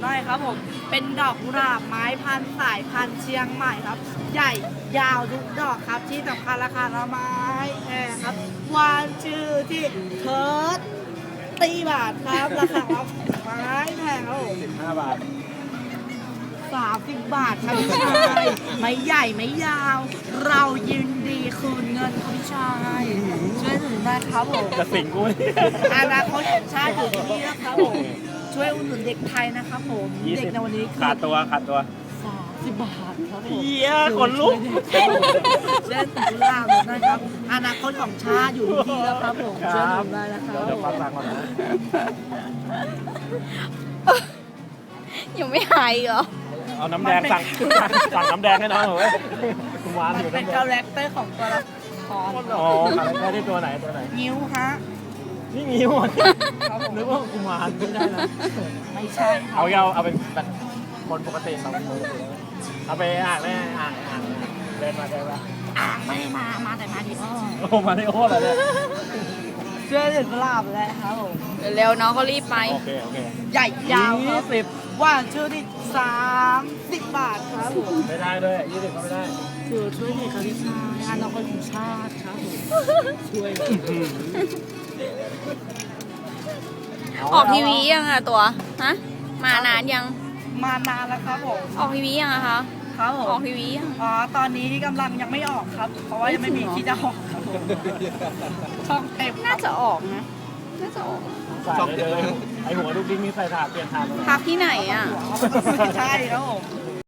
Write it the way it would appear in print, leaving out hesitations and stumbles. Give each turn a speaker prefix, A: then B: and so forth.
A: ได้ครับผมเป็นดอกกุหลาบไม้พันธุ์สายพันธุ์เชียงใหม่ครับ ใหญ่ยาวทุกดอกครับที่สำคัญราคาละไม้แพงครับวานชื่อที่เทิร์ดตีบาทครับราคาละไม้แพงครับผม
B: 15 บาท
A: 30 บาทครับพี่ชายไม่ใหญ่ไม่ยาว เรายินดีคืนเงินครับพี่ชายช่วยหนุนได้ครับผม
B: จะสิงกูนี่
A: อนาคตของชาติอยู่ที่นี่นะครับผมช่วยอุดหนุนเด็กไทยนะครับผมเด็กในวันนี้คือ
B: ขาดตัว
A: 30 บาทครับผม
B: เหี้ยขนลุก
A: เช่นตุลาหมดนะครับอนาคตของชาติอยู่ที่นี่แล้วครับผมช่วยหนุนได้นะครับ
B: เดี๋ยวฟังก่อนนะ
C: ยังไม่หายอีกเหรอ
B: เอาน้ำแดงสั่งน้ำแดงให้น้องหน่อยเว้ยคุณวาน
A: มัน
B: อยู่
A: เป็น
B: น้ำแด
A: คาง แรคเตอร์ของตัวละคร
B: อ๋ออะไรได้ที่ตัวไหน
A: นิ้วฮะ
B: นี่งิ้ว
A: ครับผม
B: นึกว่ากุมารไม่ได้นะ
A: ไม่ใช่ครั
B: เอาเป็นแบบคนปกติเราคนปกติเอาไปอ่านแม่อ่านเดินมา
A: อ่างไม่มาแต่มาดีอ้อ
B: โอ้มาในโอ้เหรอเนี่ย
A: ช่วยหนุนลาบแล้วครับผม
C: เร็วๆน้องเขารีบไป
B: โอเค
A: ใหญ่ยาวครับ
B: 20
A: ว่านชื่อที่30 บาทครับผม
B: ไม่ได้ด้วย20ก็ไม่ได้
A: คือช่วยเด็กครับพี่ชายอนาคตของชาติครับผมช่วย
C: ออกทีวียังอะตัว ฮะ มานานยัง
A: มานานแล้วครับผม
C: ออกทีวียังอะคะ
A: ครับผ
C: ออ
A: ม
C: กทีวียัง
A: อ๋อตอนนี้กำลังยังไม่ออกครับ เพราะว่ายังไม่มีที่จะออกครับผมช่องเต็ม
C: น่าจะออกนะ น่าจะออก
B: ใส่เลยไอหัวลูกดิ้งนี่ใส่ถาดเปลี่ยนถาด
C: พักที่ไหนอะ
A: ใช่ครับผม